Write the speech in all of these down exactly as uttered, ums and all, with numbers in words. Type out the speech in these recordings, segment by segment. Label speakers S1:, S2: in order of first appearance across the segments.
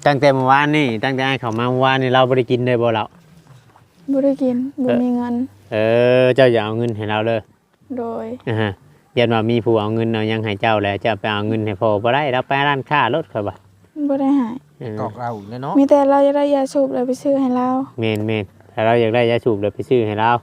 S1: ตั้งแต่เมื่อวานนี่ตั้งแต่เขามาเมื่อวานนี่เราบ่ได้กินเลยบ่เรา
S2: บ่ได้กินบ่มีเงิน
S1: เออเจ้าอย่าเอาเงินให้เราเลย
S2: โดย
S1: อ่าฮะยันว่ามีผู้เอาเงินเอายังให้เจ้าแล้วเจ้าไปเอาเงินให้พ่อบ่ได้เราไปร้านค้ารถค่อยบ่
S2: บ่ได้ให้
S3: กอกเราเลยเนาะ
S2: มีแต่เราจะได้ยาสูบแล้วไปซื้อให้เรา
S1: แม่นๆถ้าเราอยากได้ยาสูบเดี๋ยวไปซื้อให้เรา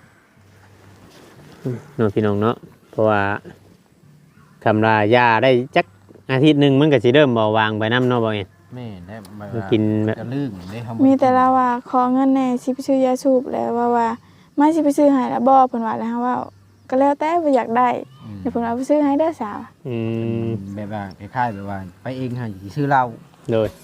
S1: เนาะพี่น้องเนาะเพราะว่าคำลายาได้จักอาทิตย์นึงมันก็สิเริ่มเบาบางไปนำเนาะบ่เอง
S3: แม่ได้มา
S1: กินแบบ
S3: จะลืมได้เฮา
S2: มีแต่เราว่าขอเงินแน่สิไปซื้อยาสูบแล้วว่าว่ามาสิไปซื้อให้แล้วบ่เพิ่นว่าแล้วเฮาว่าก็แล้วแต่บ่อยากได้เดี๋ยวเพิ่นเอาไปซื้อให้เด้อสาว
S1: อืม
S3: แบบว่าคล้ายๆแบบว่าไปเองหาสิซื้อเหล้า
S1: โดย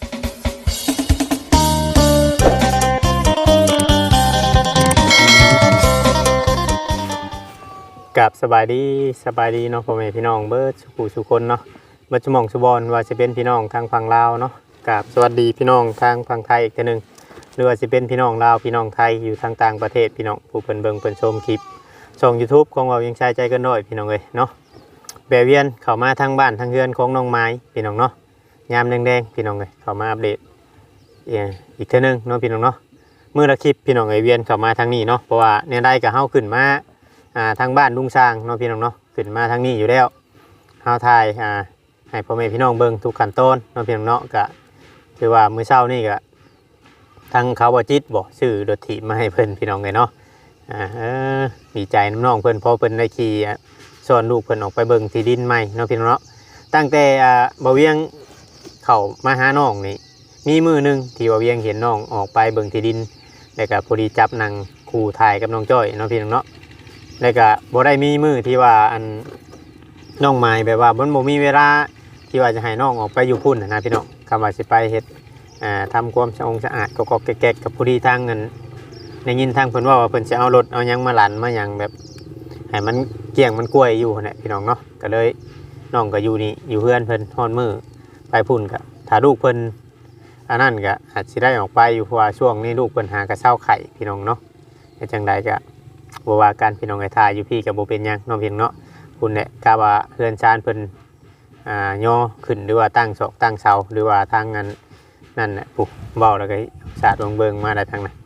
S1: กับสบายดีสบายดีเนาะพ่อแม่พี่น้องเบิดสุขุสุคนเนาะเบิดสมองสุบอนว่าจะเป็นพี่น้องทางฝั่งลาวเนาะกับสวัสดีพี่น้องทางฝั่งไทยอีกทีนึงหรือว่าจะเป็นพี่น้องลาวพี่น้องไทยอยู่ทางต่างประเทศพี่น้องผู้เพิ่นเบิ่งเพิ่นชมคลิปช่อง YouTube ของเรายังใช้ใจกันน้อยพี่น้องเอ้ยเนาะแบเวียนเข้ามาทางบ้านทางเรือนของน้องไม้พี่น้องเนาะยามแดงๆพี่น้องเอ้ยเข้ามาอัปเดตอีกทีนึงเนาะพี่น้องเนาะมื้อละคลิปพี่น้องเอ้ยเวียนเข้ามาทางนี้เนาะเพราะว่าเนี่ยได้ก็เฮาขึ้นมาอ่าทางบ้านลุงสร้างเนาะพี่น้องเนาะขึ้นมาทางนี้อยู่แล้วเฮาถ่ายอ่าให้พ่อแม่พี่น้องเบิ่งทุกขั้นตอนเนาะพี่น้องเนาะก็คือว่ามื้อเช้านี่ก็ทางเขาบ่จิตบ่ซื้อรถถีบมาให้เพิ่นพี่น้องเลยเนาะอ่าเออดีใจน้องเพิ่นพอเพิ่นได้ขี่สอนลูกเพิ่นออกไปเบิ่งที่ดินใหม่เนาะพี่น้องเนาะตั้งแต่อ่าบ่เวียงเข้ามาหาน้องนี่มีมื้อนึงที่บ่เวียงเห็นน้องออกไปเบิ่งที่ดินแล้วก็พอดีจับนั่งคู่ถ่ายกับน้องจ้อยเนาะพี่น้องเนาะแล้วก็บ่ได้มีมือที่ว่าอันน้องไม้แบบว่ามันบ่มีเวลาที่ว่าจะให้น้องออกไปอยู่พุ่นนะพี่น้องคำว่าสิไปเฮ็ดอ่าทำความสะอาดสะอาดก็ก็แก๊กๆกับผู้ที่ทางเงินในยินทางเพิ่นว่าว่าเพิ่นสิเอารถเอาหยังมาหลั่นมาหยังแบบให้มันเกี่ยงมันกล้วยอยู่นั่นแหละพี่น้องเนาะก็เลยน้องก็อยู่นี่อยู่เพื่อนเพิ่นฮ้อนมือไปพุ่นก็ถ้าลูกเพิ่นอันนั้นก็อาจสิได้ออกไปอยู่เพราะว่าช่วงนี้ลูกเพิ่นหากระเช้าไข่พี่น้องเนาะจังไดก็บ่ว่าการพี่น้องไอ้ทายอยู่พี่กับบ่เป็นหยังน้องเพียงเนาะคุณเนี่ยกะว่าเฮือนชานเพิ่นอ่าย่อขึ้นหรือว่าตั้งศอกตั้งเสาหรือว่าทางนั้นนั่นน่ะปุ๊บเว้าแล้วก็สาดเบิ่งมาได้ทางนั้น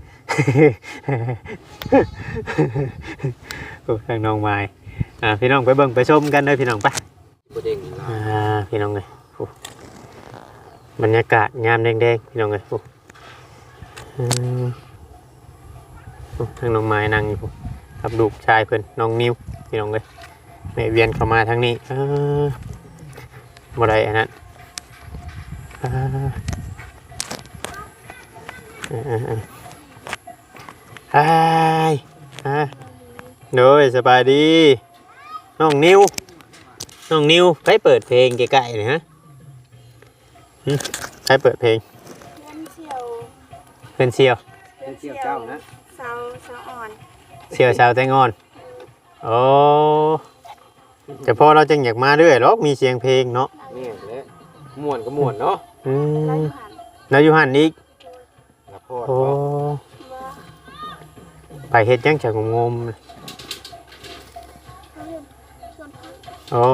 S1: ปุ๊บทางน้องไม้อ่าพี่น้องไปเบิ่งไปชมกันเด้อพี่น้องไปอ่าพี่น้องเอ้ยปุ๊บบรรยากาศยามแดงๆพี่น้องเอ้ยปุ๊บอืมทางน้องไม้นั่งอยู่กับลูกชายเพิ่นน้องนิวพี่น้องเลยแม่เวียนเข้ามาทางนี้เออบ่ได้อันนั้นอ่าอ่าอ่าฮายฮะโดยสบายดีน้องนิวน้องนิวใครเปิดเพลงใกล้ๆนี่ฮะใครเปิดเพลงเพื่อนเชียว
S3: เพื่อนเชียวเจ้านะ
S2: สาวสาวอ่อน
S1: เชียวชาวแตงอนโอ้แต่พอเราจึงอยากมาเรื่อยหรอกมีเสียงเพลงเนาะ
S3: นี่แหละม่วนก็ม่วนเนาะ
S1: อืมแล้วอยู่หันอีกโอ้ไปเฮ็ดยังจะงมๆโอ้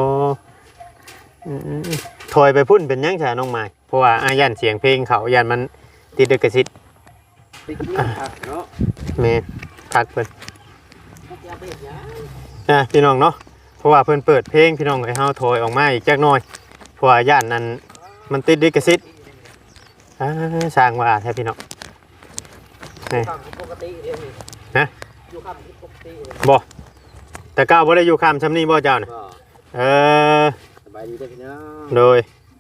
S1: ถอยไปพุ่นเป็นยังจะน้องไม้เพราะว่าอายันเสียงเพลงเขายันมันติดกระซิบ
S3: เนาะ
S1: แม่พักเพิ่นอ่ะพี่น้องเนาะเพราะว่าเพิ่นเปิดเพลงพี่น้องให้เฮาถอยออกมาอีกจักหน่อยเพราะว่าย่านนั้นมันติดลิขสิทธิ์อ่าสร้างว่าแท้พี่น้องนี่ฮะบ่แต่ก้าวบ่ได้อยู่ข้ามซำนี้บ่เจ้าน่ะเออ
S3: สบายดีเด้อพี่น้อง
S1: โดย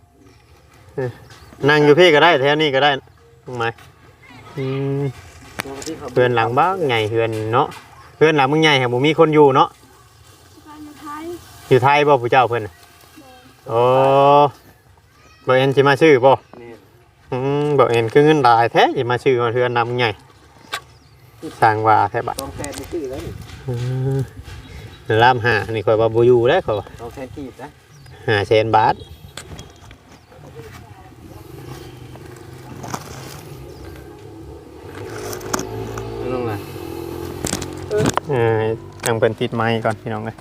S1: นั่งอยู่พี่ก็ได้แถวนี้ก็ได้ตรงไหนอืมเพื่อนหลังบ้างไงเพื่อนเนาะเพื่อนหลังมึงใหญ่แห่งบุมีคนอยู่เนาะอยู่ไทยบ่ผู้เจ้าเพื่อนโอ้บ่เอ็นจะมาชื่อบ่อืมบ่เอ็นคือเงินหลายแท้จะมาชื่อมาเพื่อนนำไงสร้างว่าแท้บัด
S3: ต้องแทนชื่อแล้ว
S1: นี่ล่ามหานี่ข่อยว่าบ่อยู่แล้วข่อยว่า
S3: ต้องแทนกีบนะ
S1: ห้าแสนบาทเออตั้งเป็นติดไม้ก่อนพี่น้องเลย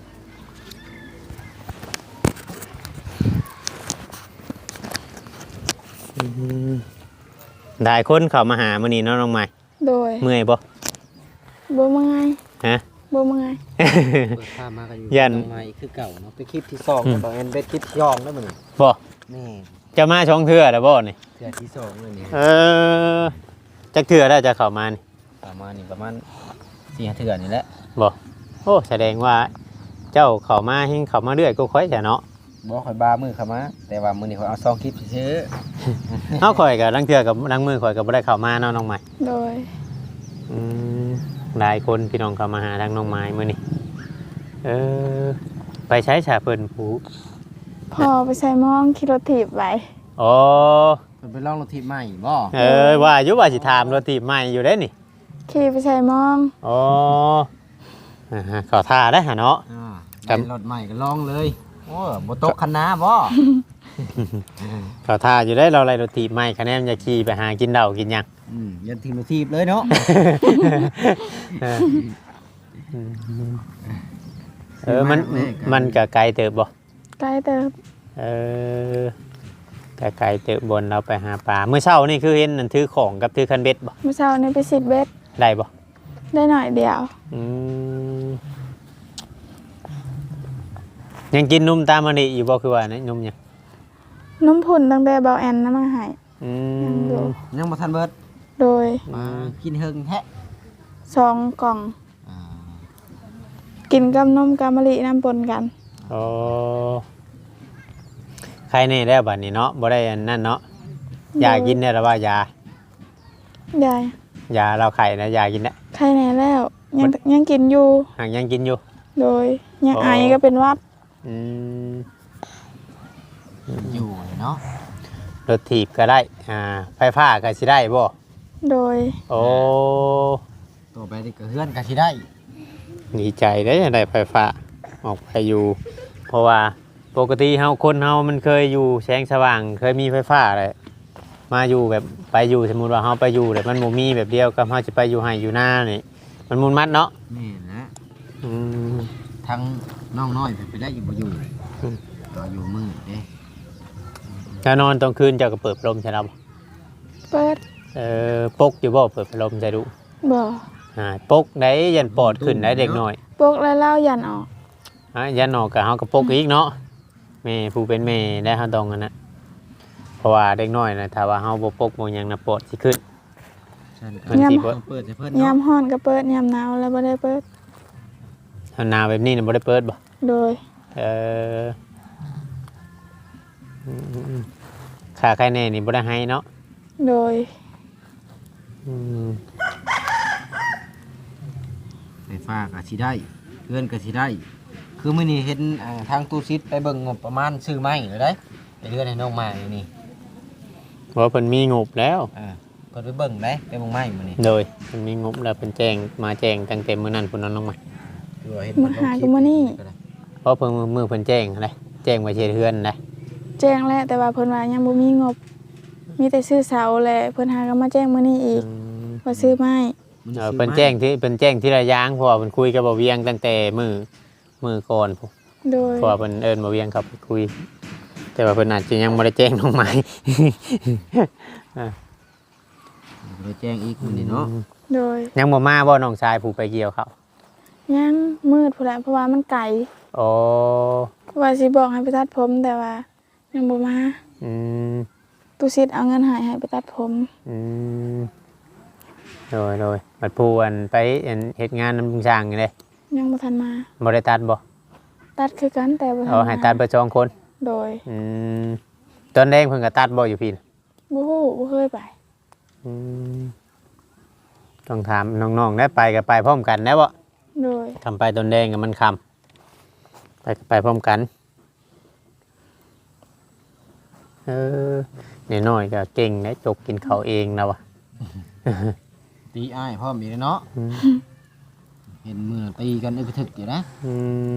S1: หลายคนเข้ามาหามื้อนี้เนาะน้องใหม่
S2: โดย
S1: เมื่อยบ่
S2: บ่เมื่อย
S1: ฮะ
S2: บ่เมื่อย
S3: เปิดภาพมากันอยู่
S1: ยัน
S3: ตรงมาอีกคือเก่าเนาะไปคลิปที่สองแต่บอกเอ็นเป็นคลิปที่สองแล้วมันนี่
S1: บ่
S3: นี่
S1: จะมาช่องเทื่อแล้วบ่นี่
S3: เทื่อที่สองเลยนี่
S1: เออจักเทื่อได้จะเข้ามานี่
S3: ประมาณนี้ประมาณสี่ห้าเทื่อนี่แหละ
S1: บ่โอ้แสดงว่าเจ้าเข้ามาเฮงเข้ามาเรื่อยก็ค่อยจะเนาะ
S3: บอกข่อยบามือเข้ามาแต่ว่ามือนี่ข่อยเอาซองคลิปซื้อ
S1: เฮาข่อยก็ลังเทื่อกับลังมือข่อยก็บ่ได้เข้ามาเนาะน้องใหม่
S2: โดย
S1: อืมหลายคนพี่น้องเข้ามาหาทางน้องไม้มื้อนี้เออไปใช้ฉาเพิ่นผู้
S2: พอไปใส่หมองขี่รถถีบไว้
S1: อ๋อ
S3: เพิ่นไปลองรถทิพย์ใหม่บ่
S1: เออว่าอยู่ว่าสิถามรถถีบใหม่อยู่เด้นี่
S2: ขี่ไปใส่หมอง
S1: อ๋ออ่าฮะขอท่าได้หะเนาะ
S3: อ่า
S1: ครับ
S3: ได้รถใหม่ก็ลองเลยโอ้บ่ตกคันนาบ่
S1: ขอท่าอยู่ได้เราอะไรรถถีบใหม่คะแนนจะขี่ไปหากินเหล้ากินหยัง
S3: อืมยันทีมรถทิพย์เลยเนาะ
S1: เออเออมันมันก็ไกลเติบบ่
S2: ใกล้เติบ
S1: เออก็ไกลเติบบนเราไปหาปลาเมื่อเช้านี่คือเห็นนั่นถือของกับถือคันเบ็ดบ่
S2: เมื่อเช้านี้ไปสิบเบ็ด
S1: ได้บ่
S2: ได้หน่อยเดียว
S1: อืมยังกินนุ่มตามมันนี่อยู่บ่คือว่านะนุ่มยัง
S2: นุ่มผุ่นตั้งแต่เบาแอนน้ำมาใหาย
S1: อื
S2: ยังอยู่
S1: ม
S3: ยังบ่ทันเบิด
S2: โดย
S3: มากินเฮิงแท้
S2: สองกล่อง
S3: อ่า
S2: กินกับนมกามะลิน้ำปนกัน
S1: โอ้ใครนี่ได้บัดนี้เนาะบ่ได้อันนั่นเนาะยากินได้หรือว่ายาย
S2: าย
S1: ยาเราไข่นะยากินได้
S2: ใครแน่แล้วยังยังกินอยู่
S1: หากยังกินอยู่
S2: โดยยัง
S1: อ๋อ
S2: ไอก็เป็นหวัด
S1: อืม
S3: อยู่เลยเนาะ
S1: รถถีบก็ได้อ่าไฟฟ้าก็สิได้บ่
S2: โดย
S1: โอ้
S3: ตัวไปนี่ก็เฮือนก็สิได้
S1: ดีใจได้อได้ไฟฟ้าออกไปอยู่ เพราะว่าปกติเฮาคนเฮามันเคยอยู่แสงสว่างเคยมีไฟฟ้าเลยมาอยู่แบบไปอยู่สมมุติว่าเฮาไปอยู่แต่มันบ่มีแบบเดียวกับเฮาจะไปอยู่ไห้อยู่หน้านี่มันมุนมัดเนาะ
S3: นี่นะ
S1: อืม
S3: ทั้งน้องน้อยไปได้อยู่บ่อยู่
S1: อืม
S3: ก็อยู่มืดเด้
S1: ถ้านอนตอนคืนเจ้าก็เปิดพัดลมใช่แล้วบ่
S2: เปิด
S1: เออปกอยู่บ่เปิดพัดลมใช่ดู
S2: บ่
S1: อ่าปกได้ยันปอดขึ้นได้เด็กน้อย
S2: ปกแล้วเล่ายันออก
S1: อ่ะยันออกก็เฮาก็ปกอีกเนาะแม่ผู้เป็นแม่ได้เฮาต้องกันนะเพราะว่าเด็กน้อยนะถ้าว่าเฮาบ่ปกบ่หยังนะปอดสิขึ้น
S3: ฉันก็
S1: มันสิบ่
S3: เปิดให้เพิ่น
S2: ยาม
S3: เนาะ
S2: ฮ้อนก็เปิดยามหนาวแล้วบ่ได้เปิด
S1: ถ้าหนาวแบบนี้น่ะบ่ได้เปิดบ่
S2: โดย
S1: เอออืมค่าใครแน่นี่บ่ได้ให้เนาะ
S2: โดย
S1: อืม
S3: ไฟฟ้าก็สิได้เฮือนก็สิได้ คือมื้อนี้เห็นอ่าทางตู้ซิดไปเบิ่งงบประมาณซื้อไม้เลยได้ไปเรือนให้น้องไม้นี่
S1: เพราะเพิ่นมีงบแล้ว
S3: อ่าเพิ่นไปเบิ่งได้ไปเบิ่งไม้มื้อนี้
S1: โดยเพิ่นมีงบแล้วเพิ่นแจ้งมาแจ้งตั้งแต่มื้อนั้นพุ่นเนาะน้องใหม่
S3: ดูว่าเห็น
S2: มาหากูมานี่
S1: เพราะเพิ่นมือเพิ่นแจ้งอะไรแจ้งไว้เฮ็ดเฮือนนะ
S2: แจ้งแล้วแต่ว่าเพิ่นว่ายังบ่มีงบ มีแต่ซื้อเสาแหละเพิ่นหาก็มาแจ้งมื้อนี้อีก
S1: อืม
S2: ว่าซื้อไม้
S3: มื้อ
S1: เอ
S3: นี้
S1: อ
S3: ซื้อ
S1: เพิ่น
S3: ไม้
S1: แจ้งที่เพิ่นแจ้งที่ระยางเพราะว่าเพิ่นคุยกับบ่เวียงตั้งแต่มือมือก่อนพุ่น
S2: โดย
S1: เพราะว่าเพิ่นเอิ้นบ่เวียงเข้าไปคุย แต่ว่าเพิ่นอาจจะยังบ่ได้แจ้งน้องไม้
S3: ไปแจ้งอีกมื้อนี้เนาะ
S2: โดย
S1: ยังบ่มาบ่น้องชายผู้ไปเกี่ยวเขา
S2: ยังมืดพุ่นแหละเพราะว่ามันไกล
S1: อ๋อ
S2: ว่าสิบอกให้ไปตัดผมแต่ว่ายังบ่มา
S1: อืม
S2: ตุสิทธิ์เอาเงินให้ให้ไปตัดผม
S1: อืมโดยโดยบัดผู้อันไปอันเฮ็ดงานนำลุงช่างนี่เด้
S2: ยังบ่ทันมา
S1: บ่ได้ตัดบ่
S2: ตัดคือกันแต่บ่ทัน
S1: เอา
S2: มา
S1: ให้ตัดเบิดสองคน
S2: โดย
S1: อืมตอนแรกเพิ่นก็ตัดบ่อยู่พี่น่ะ
S2: บ่ฮู้บ่เคยไป
S1: อืมต้องถามน้องๆได้ไปกับไปพร้อมกันได้บ่
S2: โดย
S1: ทำไปตนแดงกับมันคำไปก็ไปพร้อมกันเออเนี่ยน้อยก็เก่งนะจกกินเขาวเองนะวะ
S3: ตีอ้ายพร้อมอีกแล้วเนาะ
S1: อืม
S3: เห็นมือตีกันอึกกระทึกอยู่นะ
S1: อืม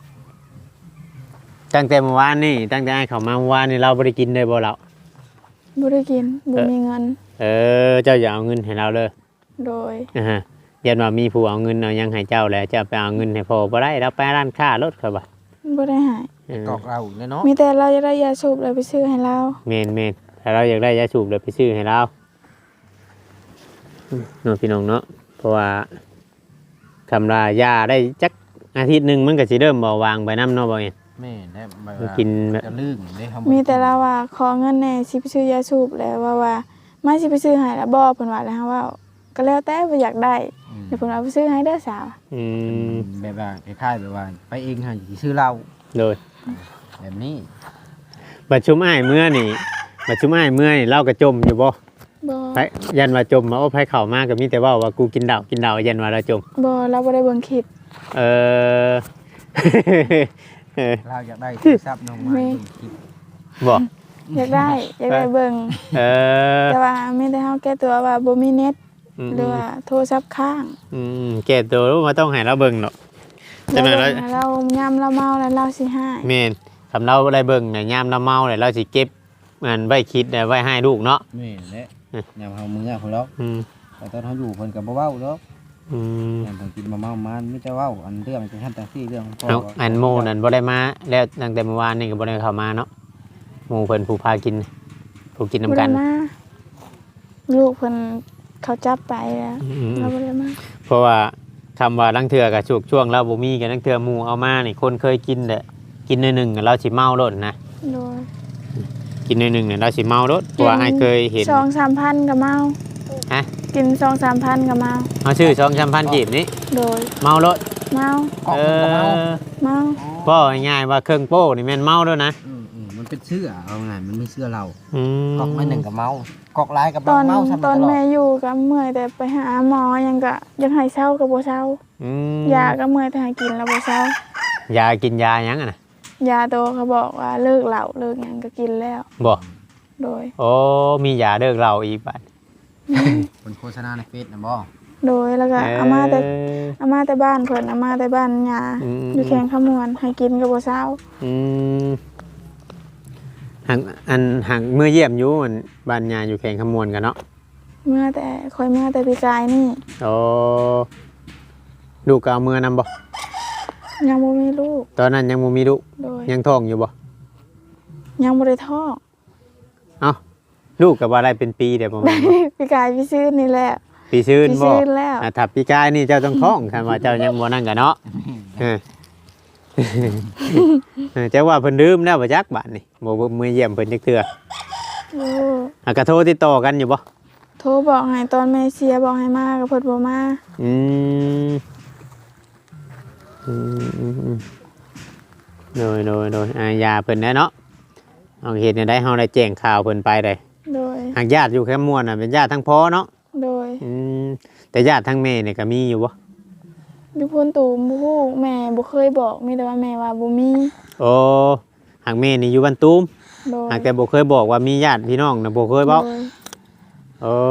S1: ตั้งแต่เมื่อวานนี่ตั้งแต่ไอ้เขามาเมื่อวานนี่เราไม่ได้กินเลยบ่เรา
S2: บ่ได้กินบ่มีเงิน
S1: เออเจ้าอย่าเอาเงินให้เราเลย
S2: โดย
S1: นะฮะยันว่ามีผู้เอาเงินเอายังให้เจ้าแล้วเจะไปเอาเงินให้พ่อบ่ได้เราไปร้านค้ารถเขาบ่ะ
S2: บ่ได้ให้
S1: เออก
S3: อกเราอีกแล้วเนาะ
S2: มีแต่เราจะได้ยาสูบเลยไปซื้อให้เรา
S1: เมนเมนถ้าเราอยากได้ยาสูบเลยไปซื้อให้เราเนาะพี่น้องเนาะเพราะว่าคำลายาได้จักอาทิตย์หนึงมันก็สิเริ่มเบาบางไปนํเนาะบ่เอ็น
S3: แม่ได้แบบ
S1: กินแบบ
S3: จะลื่นได้ทำ
S2: มีแต่ละว่าขอเงินแหน่สิไปซื้อยาสูบแล้วว่าว่ามาสิไปซื้อให้ละบ่เพิ่นว่าแล้วว่าก็แล้วแต่บ่อยากได้เดี๋ยวเพิ่นเอาไปซื้อให้เด้อสาว
S1: อืม
S3: แบบว่าคล้ายๆแบบว่าไปเองหาสิซื้อเหล้า
S1: โดย
S3: แบบนี้
S1: บัดชุมอ้ายเมื่อนี่บัดชุมอ้ายเมื่อนี่เล่ากระจมอยู่บ่
S2: บ่
S1: ไผยันว่าจมมาโอ้ไผเข้ามาก็มีแต่เว้าว่ากูกินเหล้ากินเหล้ายันว่าเราจม
S2: บ่เราบ่ได้เบิ่งคลิป
S1: เออ เออ
S3: เราอยากได้โทรศัพท์น้องมา
S2: แม่
S3: คลิป
S1: บ่
S2: อยากได้อยากได้เบิ่ง
S1: เออ
S2: แต่ว่ามีแต่เฮาแก้ตัวว่าบ่มีเน็ต
S1: อืม
S2: หรือว่าโทรศัพท์ค้าง
S1: อืมแก่ตัวรู้ว่าต้องให้เราเบิ่งเนาะจังได๋
S2: เรา
S1: เรา
S2: เบิ่งเรายามเราเมาแล้วเราสิให้
S1: แม่นสำเราได้เบิ่งเนี่ยยามเราเมาเนี่ยเราสิเก็บมันไว้คิดไว้ให้ลูกเนาะ
S3: แม่นแหละยามเฮามื้อพุ่นแล้ว
S1: อืม
S3: แต่ตอนเฮาอยู่เพิ่นก็บ่เว้าดอก
S1: อืม
S3: ยามเพิ่นกินมาเมามันมีแต่เว้าอันเรื่องจังซั่นจังซี่เรื่องพ่อ
S1: เอาอันโมนั่นบ่ได้มาแล้วตั้งแต่เมื่อวานนี่ก็บ่ได้เข้ามาเนาะหมู่เพิ่นผู้พากินผู้กิน
S2: บ่
S1: นํกั
S2: ได้
S1: น
S2: มาลูกเพิ่นเขาจับไปแล้ว
S1: อืม
S2: เราบ่ได้มา
S1: เพราะว่าคำว่าลังเทือกับช่วงช่วงเราบ่มีกันลังเทือหมู่เอามานี่คนเคยกินแหละกินหน่อยหนึงเราสิเมาโลดนะ
S2: โดย
S1: กินหน่อยหนึงเนี่ยเราสิเมาโลดเพราะว่าอ้ายเคยเห็น
S2: สองสามพันก็เมา
S1: ฮะ
S2: กินสองสามพันก็เมา
S1: เฮาชื่อสองสามพันกีบนี่
S2: โดย
S1: เมาโลด
S2: เมา
S3: กอก
S1: เอ
S3: มันก็เมา
S1: อ
S2: เมา
S1: บ่ง่ายๆว่าเครื่องโป้นี่แม่นเมาแล้วนะ
S3: อืมอืมมันเป็นเสื้อเอาไงมันมีเสื้อเรา
S1: อืม
S3: กอกไม่หนึ่งกับเมากอกหลายกับ
S2: ตอน
S3: เมาซ้ำ
S2: ตอน
S3: ตลอด
S2: แม่อยู่ก็เมื่อยแต่ไปหาหมอยังก็ยังให้เช้าก็บ่เช้า
S1: อืม
S2: ยาก็เมื่อยแต่ให้กินแล้วบ่เช้าย
S1: ากินยาหยังอะน่ะ
S2: ยาโตเขาบอกว่าเลิกเหล้าเลิกหยังก็กินแล้ว
S1: บ่
S2: โดย
S1: โอ้มียาเลิกเหล้าอีกบัด
S3: คนโฆษณาในเฟซนะบ่
S2: โดยแล้วก็เอามาแต่
S1: เออ
S2: เอามาแต่บ้านเพิ่นเอามาแต่บ้านยา
S1: อืม
S2: อยู่แข้งขมวนให้กินก็บ่เช้า
S1: อืมหังอันหังเมื่อเยี่ยมอยู่มันบ้านยาอยู่แข่งขมวนกันเนาะ
S2: เมื่อแต่คอยเมื่อแต่ปีกายนี่
S1: โอ้ลูกก็เอามือนำบ่
S2: ยังบ่มีลูก
S1: ตอนนั้นยังบ่มีลูก
S2: โดย
S1: ยังท้องอยู่บ่
S2: ยังบ่ได้ท้อง
S1: เอ้าลูกก็บ่ได้เป็นปีเดี๋ยวประมาณ
S2: ปีกายพี่ซื้อนี่แหละ
S1: ปีซื่น
S2: ปี
S1: บ่
S2: ซื่นแล้ว
S1: อ่ะถ้าปีกายนี่เจ้าต้องท้องคันว่าเจ้ายังบ่นั่นกันเนาะเออ เออเจ้าว่าเพิ่นลืมแล้วบ่จักบาดนี่บ่บ่มือเยี่ยมเพิ่นจักเทื่อ
S2: โอ้
S1: อ่ะก็โทรติดต่อกันอยู่บ่
S2: โทรบอกให้ตอนแม่เสียบอกให้มาก็เพิ่นบ่มา
S1: อืมอืมอืมอืมโดยโดยโดยอ่ายาเพิ่นแน่เนาะเอาเฮ็ดให้ได้เฮาได้แจ้งข่าวเพิ่นไปได้
S2: โดย
S1: หากญาติอยู่แค่ม่วนน่ะเป็นญาติทั้งพ่อเนาะ
S2: โดย
S1: อืมแต่ญาติทั้งแม่เนี่ยก็มีอยู่บ่
S2: อยู่พุ่นตูมบ่ฮู้แม่บ่เคยบอกมีแต่ว่าแม่ว่าบ่มี
S1: โอ้หากแม่นี่อยู่บ้านตูม
S2: โดย
S1: หากแต่บ่เคยบอกว่ามีญาติพี่น้องน่ะบ่เคยเว้า
S2: โดย
S1: โอ้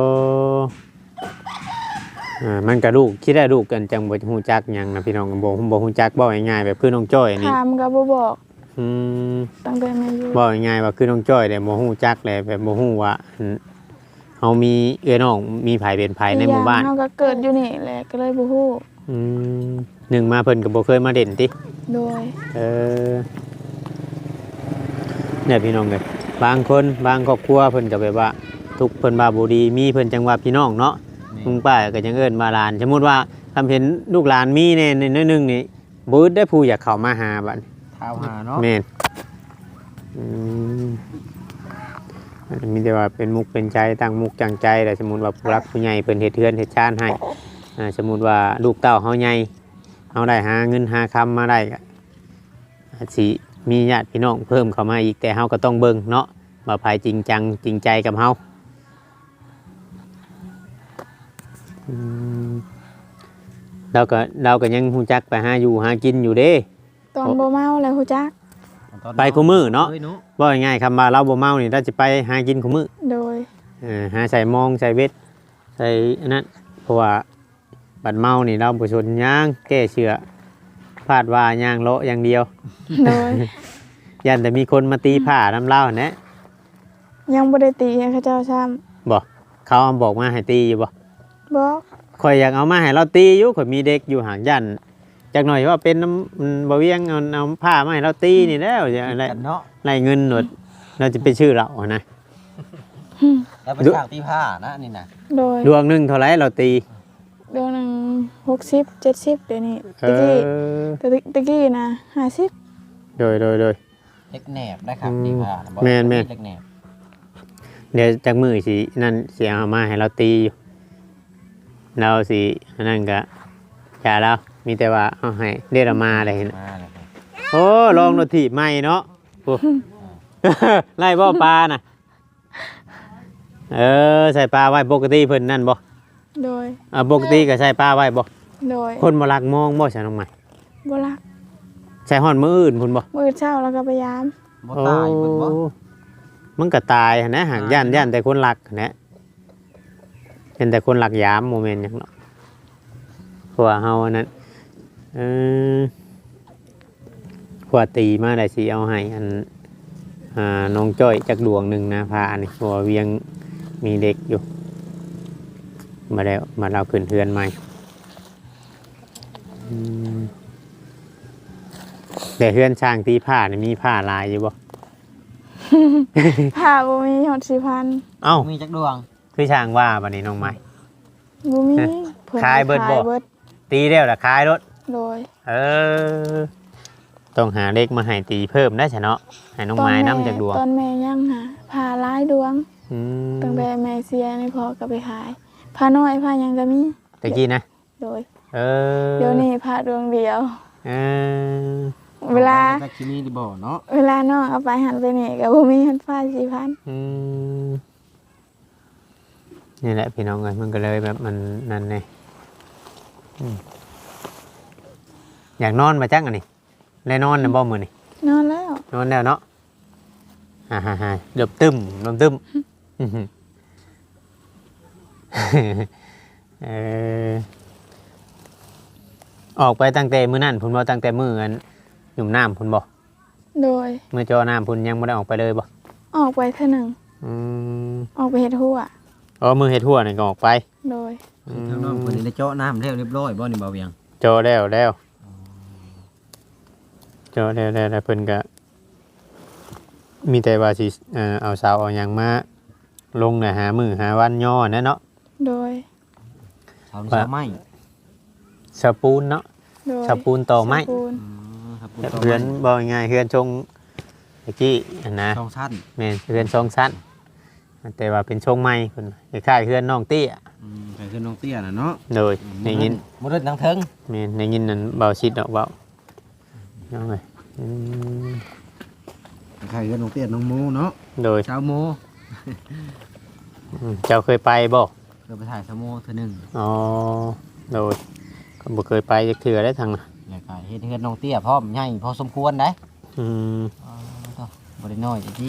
S1: อ่ามันก็ลูกคิดได้ลูกกันจังบ่ฮู้จักหยังนะพี่น้องบ่บ่ฮู้จักบ่ง่ายๆแบบคือน้องจ้อยนี่
S2: ถามก็บ่บอก
S1: อืม
S2: ตั้งแต่แม่อยู่
S1: บ่ง่ายๆว่าคือน้องจ้อยแต่บ่ฮู้จักแหละแบบบ่ฮู้ว่าอืมเฮามีเอื้อน้องมีไผเป็นไผในหมู่บ้าน
S2: อีกอย่งเฮาก็เกิดอยู่นี่แหละก็เลยบ่ฮู้
S1: อืมหนึ่งมาเพิ่นก็บ่เคยมาเด่นติ
S2: โดย
S1: เออเนี่ยพี่น้องเลยบางคนบางครอบครัวเพิ่นก็แบบว่า ทุกข์เพิ่นว่าบ่ดีมีเพิ่นจังว่าพี่น้องเนาะลุงป้าก็ยังเอิ้นว่าหลาน สมมุติว่าทำเห็นลูกหลานมีแน่ในน้อยหนึงนี่บ่อึดได้ผู้อยากเข้ามาหาบัด
S3: เท้าหาเนาะ
S1: แม่นอืมมีแต่ว่าเป็นมุกเป็นใจตั้งมุกจังใจแต่สมมุติว่าผู้รักผู้ใหญ่เพิ่นเฮ็ดเทือนเฮ็ดชานให้อ่าสมมุติว่าลูกเต้าเฮาใหญ่เฮาได้หาเงินหาคำมาได้ก็อาจสิมีญาติพี่น้องเพิ่มเข้ามาอีกแต่เฮาก็ต้องเบิ่งเนาะว่าไผจริงจังจริงใจกับเฮาอืมเราก็เราก็ยังฮู้จักไปหาอยู่หากินอยู่เด้
S2: ตอนบ่เมาแล้วฮู้จัก
S1: ไปคู่มือเนาะ
S3: อ้ยห
S1: ว่าง่ายๆคำว่าเราบ่เมานี่เราจะไปหากินของมือ
S2: โดย
S1: เออหาใส่มองใส่เวทใส่อันนั้นเพราะว่าบัดเมานี่เราบ่ชนย่างแก้เชือพลาดว่าย่างเลาะอย่างเดียว
S2: โดย
S1: ยันแต่มีคนมาตีผ้าน้ำเล่าแหนะ
S2: ยังบ่ได้ตีให้เขาเจ้าซ้ำ
S1: บ่เขาเอาบอกมาให้ตีอยู่บ่
S2: บอก
S1: ข่อยอยากเอามาให้เราตีอยู่ข่อยมีเด็กอยู่ห่างยันจักหน่อยว่าเป็นน้ำอืมบ่เวียงเอาเอาผ้ามาให้เราตีนี่แล้วจะอะไร
S3: กันเนาะ
S1: ไล่เงินหนวดเราจะไปชื่อเราอะนะ
S3: แล้วเป็นสร้างตีผ้านะนี่นะ
S2: โดย
S1: ดวงหนึงเท่าไหร่เราตี
S2: เดือนหนึงหกสิบ เจ็ดสิบเดี๋ยวนี้
S1: เอ
S2: ตะกี้
S1: อ
S2: ตะกี้ตะกี้นะห้าสิบ
S1: โดยโดยโดย
S3: เล็กแหนบนะครับ
S1: อืม
S3: ตีผ้านะบอก
S1: แม่นแม่น
S3: เล็กแหนบ
S1: เดี๋ยวจากมือสินั่นเสียเอามาให้เราตีอยู่เราสิอันนั่นก็อย่าแล้วมีแต่ว่าเอาให้เรียกเรามาอะไรเห็น
S3: มาเลยครับ
S1: โอ้ลองรถถีบใหม่เนาะโอ้ ไล่บ่ปลาน่ะเออใส่ปลาไว้ปกติเพิ่นนั่นบ่
S2: โดย
S1: อ่าปกติก็ใส่ปลาไว้บ่
S2: โดย
S1: คนบ่รักมองบ่ใช่น้องใหม่
S2: บ่รัก
S1: ใส่ฮ้อนมื้ออื่นพุ่นบ่
S2: มื้อเช้าแล้วก็พยายาม
S3: บ่ตายเพิ่นบ่
S1: โอ้มันก็ตายหั้นนะหากย่านย่านแต่คนรักหั้นนะเห็นแต่คนรักยามโมเมนต์หยังเนาะเพราะว่าเฮาอันนั้นเออขวาตีมาได้สิเอาให้อันอ่าน้องจ้อยจักดวงหนึงนะพาอันนี้เพราะว่าเวียงมีเด็กอยู่ มาแล้วมาเราขึ้นเทือนใหม่อืมแต่เทือนช่างตีผ้านี่มีผ้าลายอยู่บ่
S2: ผ้าบ่มีหอดสี่พัน
S1: เอ้า
S3: มีจักดวง
S1: คือช่างว่าบัดนี้น้องใหม่
S2: บ่มี
S1: เอ๊ะ
S2: พิ่น
S1: ขายเบิดบ่
S2: ขเบิด
S1: ตีแล้วล่ะขายรถ
S2: โดย
S1: เออ ต้องหาเล็กมาให้ตีเพิ่มได้ใช่เนาะให้น้องไม้น้ำจากดวง
S2: ตอนแม่ยังหาผ้าหลายดวง
S1: อืม
S2: ตั้งแต่แม่เสียนี่พอก็ไปขายผ้าน้อยผ้าหยังก็มี
S1: ตะกี้นะ
S2: โดย
S1: เออ
S2: เดี๋ยวนี้ผ้าดวงเดียว
S1: เออ
S2: เวลา
S3: จักที่นี่ดิบ่เนาะ
S2: เวลาน้องเอาไปหันไปนี่ก็บ่มีหันผ้าสี่พัน
S1: อืมนี่แหละพี่น้องเอ้ยมันก็เลยแบบมันนั่นไงอืมอยากนอนมาจังอันนี้เลยนอนนะบ่มือนี่
S2: นอนแล้ว
S1: นอนแล้วเนาะฮ่าฮ่าฮ่าเดือบตึมเดือบตึมอื้อหือเออออกไปตั้งแต่มื้อนั่นพุ่นบ่ตั้งแต่มื้ออันหยุ่มน้ำพุ่นบ่
S2: โดย
S1: มื้อจอน้ำพุ่นยังบ่ได้ออกไปเลยบ่
S2: ออกไปเท่าหนึง
S1: อืม
S2: ออกไปเฮ็ดหัว
S1: อ๋อมื้อเฮ็ดทั่วนี่ก็ออกไป
S2: โดย
S1: อืม
S3: ทางน้องเพิ่นนี่ได้เจาะน้ำแล้วเรียบร้อยบ่นี่บ่าวเวียง
S1: จอแล้วแล้วจอแล้วแล้วแล้วเพิ่นก็มีแต่ว่าสิเอ่อเอาเสาเอาหยังมาลงน่ะหามื้อหาวันย่อนะเนาะ
S2: โดย
S3: ชาวนี่ชาวไม้
S1: สปูนเนาะ
S2: โดย
S1: สปูนต่อไม้
S2: สปูน
S3: อืมครับ
S1: เฮือนบ่ง่ายๆเฮือนชงตะกี้อันนะ
S3: ช่องสั้น
S1: แม่นเฮือนชงสั้นแต่ว่าเป็นชงใหม่เพิ่นคล้ายๆเฮือนน้องเตี้ย
S3: อืมไปขึ้นน้องเตี้ยน่ะเนาะ
S1: โดยในยิน
S3: บ่ได้ทั้งเทิง
S1: แม่นในยินนั่นเบาชิดดอกเบาน้องเอ้ยอืม
S3: ใครขึ้นน้องเตี้ยน้องโมเนาะ
S1: โดย
S3: ชาวโม
S1: อืมเจ้าเคยไปบ่
S3: เคยไปถ่ายชาวโมเทื่อหนึง
S1: อ๋อโดยก็บ่เคยไปจักเทื่อได้ทางน่ะ
S3: แล้วก็เฮ็ดเฮือนน้องเตี้ยพร้อมใหญ่พอสมควรได้
S1: อืม
S3: อ๋อต่อบ่ได้น้อยจักที่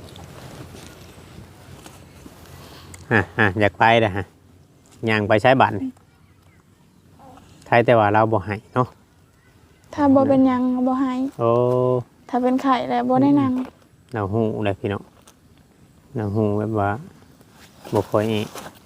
S1: อ่ะอ่ะอยากไปเด้อฮะย่างไปใช้บัตรนี่ใครแต่ว่าเราบ่ให้เนาะ
S2: ถ้าบ่เป็นหยังก็บ่ให้
S1: โอ้
S2: ถ้าเป็นไข้แล้วบ่ได้นั่ง
S1: เราฮู้เลยพี่น้องเราฮู้แบบว่าบ่ค่อยอี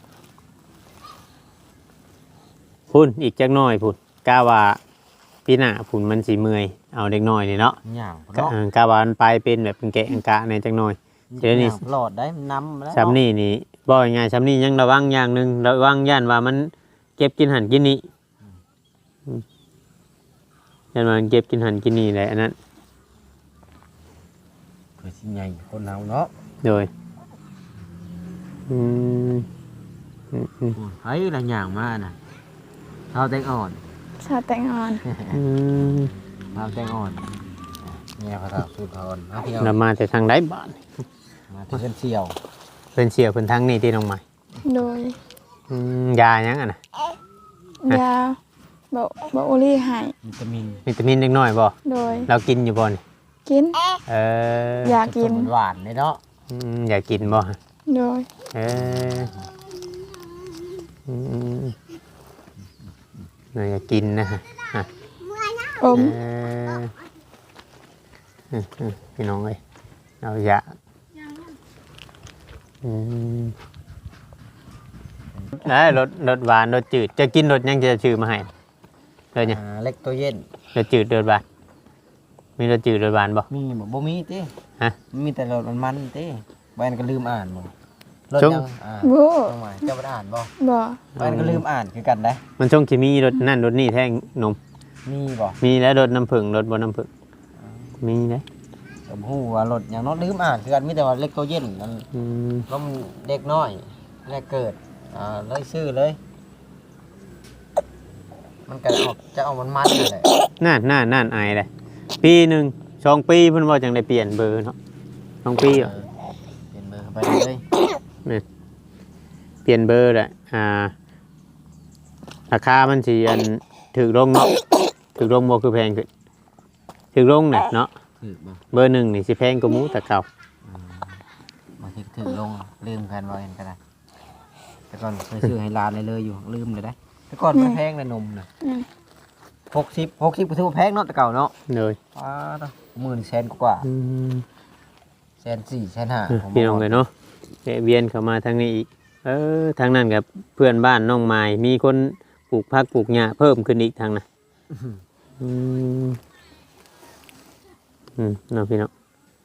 S1: พุ่นอีกจักหน่อยพุ่นกะว่าปีหน้าพุ่นมันสิเมื่อยเอาเด็กน้อยนี่เนาะ
S3: ย่าง
S1: กะ
S3: เนาะ
S1: เออกะว่ามันไปเป็นแบบเป็นแกะอังกะในจักหน่อย เดี๋ยวนี้
S3: ย่างหลอดได้มันน้ำแล้ว
S1: ซ้ำนี่นี่บ่ยังไงซ้ำนี่ยังระวังอย่างหนึงระวังย่านว่ามันเก็บกินหันกินนี่อืมย่านว่ามันเก็บกินหันกินนี่แหละอันนั้น
S3: เพื่อสิใหญ่คนเฮาเนาะ
S1: โดยอืมอืมอืม
S3: เฮ้ยละย่างมาน่ะเท้าแตงอ่อน
S2: ชาแตงอ่อน
S1: อืม
S3: เท้าแตงอ่อนเนี่ยพระธาตุสุธรนะพี่น้อง
S1: เรามาแต่ทางใดบ้าน
S3: มาที่เพิ่นเสี่ยว
S1: เพิ่นเสียเพิ่นทางนี่ที่น้องใหม่
S2: โดย
S1: อืมยาหยังอ่ะนะ
S2: ยาบ่บ่โอลี่ให้
S3: วิตามิน
S1: วิตามินเล็กน้อยบ่
S2: โดย
S1: เรากินอยู่บ่นี่
S2: กิน
S1: เออ
S2: อยากกิน
S3: หวานๆเลยเนาะ
S1: อืมอยากกินบ่
S2: โดย
S1: เอออืมน่าอยากกินนะฮะอ่ะ
S2: อม
S1: เอออืมอืมพี่น้องเอ้ยเอาอยากอืมได้รสรสหวานรสจืดจะกินรสหยังจะชื่อมาให้เลยเนี่ย
S3: อ่าเล็กตัวเย็น
S1: รสจืดรสหวานมีรสจืดรสหวานบ่
S3: มีบ่บ่มีติ
S1: ฮะ
S3: มีแต่รสมันๆติใบนั้นก็ลืมอ่านบ่รถ
S1: ช่วง
S3: ยังอ่า
S2: บ่
S3: น้องหมายเจ้าบ่ได้อ่านบ่
S2: บ่
S3: มันก็ลืมอ่านคือกันได้
S1: มันช่วงที่มีรถนั่นรถนี่แท่งนม
S3: มีบ่
S1: มีแล้วรถน้ำผึ้งรถบ่น้ำผึ้งมีนะ
S3: ผมฮู้ว่ารถอย่างน้อยลืมอ่านคือกันมีแต่ว่าเล็กตัวเย็นนั่น
S1: อืม
S3: ล้มเด็กน้อยแรกเกิดอ่าเลยชื่อเลย มันก็ออกจะเอามันมันนั่นแหละ
S1: น่านน่านน่านอายเลยปีหนึ่งสองปีเพิ่นว่าจังได้เปลี่ยนเบอร์เนาะสองปีเหรอ
S3: เเปลี่ยนเบอร์ไปเลย
S1: เปลี่ยนเบอร์แหละอ่าราคามันสิอันถูกลงเนาะถูกลงบ่คือแพงขึ้นถูกลงน่ะเนาะ
S3: ถือบ่
S1: เบอร์หนึ่งนี่สิแพงกว่าหมูแต่เก่า
S3: บางทีถือลงลืมกันว่าเห็นกันได้แต่ก่อนเคยซื้อให้ร้านเลยเลยอยู่ลืมเลยได้แต่ก่อนมันแพงเลยนมน่ะ
S2: นี่
S3: หกสิบหกสิบก็ถือว่าแพงเนาะแต่เก่าเนาะ
S1: เลย
S3: ว้าต้องหมื่นแสนกว่า
S1: อืม
S3: แสนสี่แสนห้าผม
S1: พี่น้องเลยเนาะแวะเวียนเข้ามาทางนี้อีก เออทางนั้นกับเพื่อนบ้านน้องไม้มีคนปลูกผักปลูกหญ้าเพิ่มขึ้นอีกทางน่ะอืมอืมเนาะพี่น้อง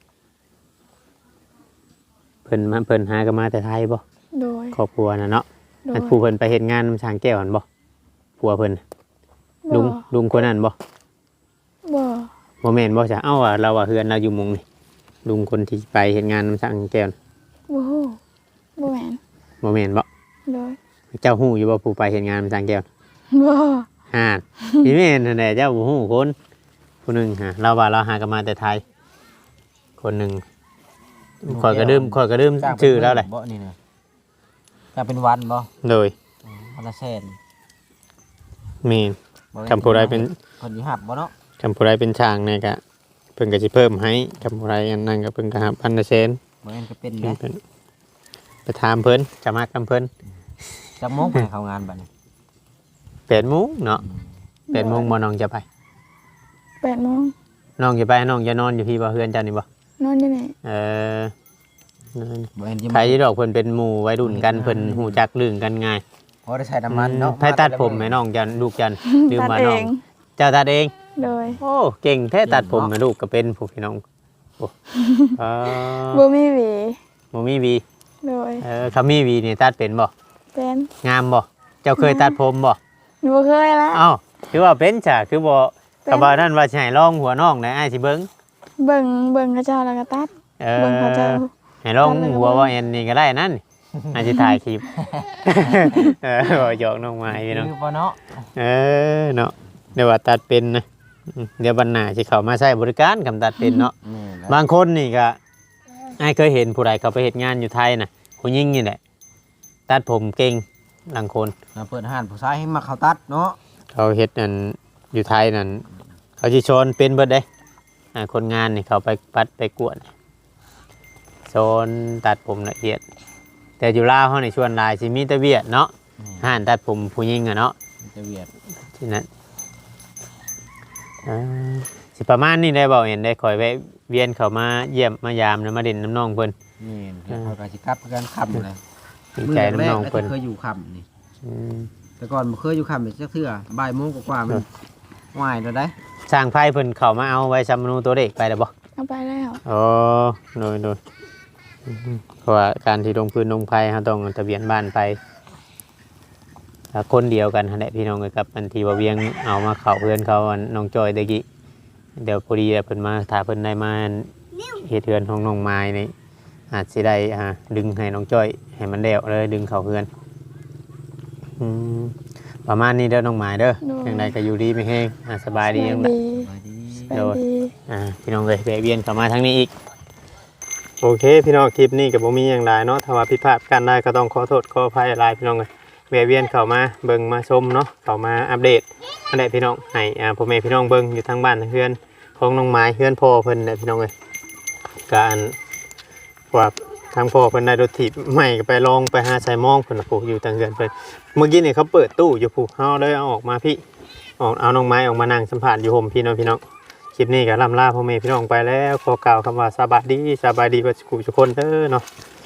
S1: เพิ่นมาเพิ่นหากันมาแต่ไทยบ่
S2: โดย
S1: ครอบครัวน่ะเนาะ
S2: โด
S1: อั
S2: ย
S1: นผู้เพิ่นไปเฮ็ดงานนำช้างแก้วหั่นบ่ผัวเพิ่นลุง
S2: บ่
S1: ลุงคนนั้นบ่
S2: บ่
S1: บ่แม่นบ่จ้ะเอ้าว่าเราว่าเฮือนเราอยู่หมุงนี่ลุงคนที่ไปเฮ็ดงานนำช้างแก้วน่ะ
S2: บ่ฮู้บ่แม่น
S1: บ่แม่นบ่
S2: โดย
S1: เจ้าฮู้อยู่บ่ผู้ไปเฮ็ดงานนำช้างแก้ว
S2: บ่
S1: ฮ่าพี่แม่นนั่นแหละเจ้าบ่ฮู้คนผู้หนึงฮะเราว่าเราหากันมาแต่ไทย คนหนึงข่อยก็ดื่มข่อยก็ดื่ม
S3: จ้างเป็น
S1: ชื่อแล้วแหละ
S3: บ่นี่นะจะเป็นวันบ่
S1: โดย
S3: วันละแสน
S1: แม่น
S3: บ่แม่น
S1: คำผู้ใดเป็น
S3: คนที่หับบ่เนาะ
S1: คำผู้ใดเป็นช่างเนี่ยก็เพิ่นก็สิเพิ่มให้คำผู้ใดอันนั้นก็เพิ่นก็หับพันละแสน
S3: บ่แม่นก็เป็น
S1: เพิ่
S3: นะ
S1: นเพิ่นไปถามเพิ่นจะมากำเพิ่น
S3: จะโมงไปเข้างานบัดนี้
S1: แปดโมงเนาะแปดโมงบ่น้องจะไป
S2: แปดโมง
S1: น้องจะไปน้องจะนอนอยู่พี่บ่เฮือนเจ้านี่บ่
S2: นอนอยู่นี่
S1: เออนั่น
S3: บ่แม่นจะ
S1: ใครที่ดอกเพิ่นเป็นหมู่วัยรุ่นกันเพิ่นฮู้จักเรื่องกันง่าย
S3: พอได้ใช้น้ำมันเนาะ
S1: ไผตัดผมให้น้องจันลูกจันลืม
S2: ตัด
S1: มา
S2: เอ
S1: น้อง
S2: ง
S1: เจ้าตัดเอง
S2: โดย
S1: โอ้เก่งแท้ตัดผมนะลูกก็เป็นผู้พี่น้องโอ้เออ
S2: บ่มีหวี
S1: บ่มีวี
S2: โดย
S1: เออเขามีวีนี่ตัดเป็นบ่
S2: เป็น
S1: งามบ่เจ้าเคยตัดผมบ่
S2: หนูบ่เคยละ
S1: เอ้าคือว่าเป็นจ้ะคือบ่
S2: เป็น
S1: ก็บ่นั่นว่าสิให้ลองหัวน้องได้อ้ายสิเบิ่ง
S2: เบิ่งเบิ่งเขาเจ้าแล้วก็ตัด
S1: เอ
S2: เบิ่งเขาเจ้า
S1: อให้ลอง
S2: ตัดเลยก็
S1: หัว
S2: เบิ่ง
S1: ว่าแอนนี่ก็ได้นั่นอ้ายสิถ่ายคลิป เออบ่หยอกน้องไม้พี่น้อง
S3: คือบ่เนาะ
S1: เออเนาะเดี๋ยวว่าตัดเป็นนะอืมเดี๋ยวบันหน้าสิเข้ามาใช้บริการคำตัดเป็นเนาะ
S3: นี่แหละ
S1: บางคนนี่ก็ไอ้ายเคยเห็นผู้ใดเขาไปเฮ็ดงานอยู่ไทยน่ะผู้หญิงนี่แหละ ตัดผมเก่งบางคน
S3: มาเปิดห้านผู้ชายให้มาเข้าตัดเนาะ
S1: เขาเฮ็ดนั่นอยู่ไทยนั่นเขาสิชนเป็นเบิดเด้อ่าคนงานนี่เขาไปปัดไปกวดโซนตัดผมละเอียด แต่อยู่ลาวเฮานี่ชวนหลายสิมีแต่เวียดเนาะ
S3: นี่
S1: ห้านตัดผมผู้หญิงอะเนาะ
S3: มันจะเวียด
S1: ที่นั่นอ่าสิประมาณนี้ได้บ่เห็นได้คอยแวะเวียนเข้ามาเยี่ยมมายามนะมาเด่นน้ำน้องเพิ่น
S3: นี่เดี๋ยวเขาก็สิกลับกันค่ำเลย
S1: ดีใจน้ำน้องเพิ่น
S3: เคยอยู่ค่ำนี่
S1: อืม
S3: แต่ก่อนบ่เคยอยู่ค่ำเลยจักเทื่อบ่ายโมงกว่าๆมันว่ายแล้วได้
S1: สร้างไฟเพิ่นเข้ามาเอาไว้ซำนูตัวเด็กไปแล้วบ่
S2: เอาไปแล้ว
S1: อ๋อโดยโดยอืมเพราะว่าการที่ลงพื้นลงไฟเฮาต้องเอาทะเบียนบ้านไปถ้าคนเดียวกันหั่นแหละพี่น้องเอ้ยกับอันที่ว่าเวียงเอามาเข้าเพื่อนเขาอันน้องจอยตะกี้เดี๋ยวพอดีเพิ่นมาถ้าเพิ่นได้มาเฮ็ดเฮือนของน้องไม้นี่อาจสิได้อ่าดึงให้น้องจอยให้มันแล้วเลยดึงเข้าเฮือนอืมประมาณนี้เด้อน้องไม้เด้อจังไดก็อยู่ดีไม่แห้งอ่าสบายดีจังได
S2: ดี
S3: สบายดี
S2: สบายดี
S1: อ่าพี่น้องเลยแวะเวียนเข้ามาทางนี้อีกโอเคพี่น้องคลิปนี้กับผมมีอย่างไรเนาะถ้าว่าผิดพลาดกันได้ก็ต้องขอโทษขออภัยหลายพี่น้องเลยแวะเวียนเข้ามาเบิ่งมาชมเนาะเข้ามาอัปเดตอันใดพี่น้องให้อ่าพ่อแม่พี่น้องเบิ่งอยู่ทางบ้านเฮือนของน้องไม้เฮือนพ่อเพิ่นน่ะพี่น้องเลยการว่าทางพ่อเพิ่นได้รถถีบใหม่ก็ไปลองไปหาใส่มองเพิ่นน่ะปลูกอยู่ทางเฮือนเพิ่นเมื่อกี้นี่เขาเปิดตู้อยู่ผูกเฮาเลยเอาออกมาพี่ออกเอาน้องไม้ออกมานั่งสัมผัสอยู่ห่มพี่น้องพี่น้อง คลิปนี้ก็ล่ำลาพ่อแม่พี่น้องไปแล้วขอกล่าวคำว่าสบายดีสบายดีกับทุกคนเด้อเนาะ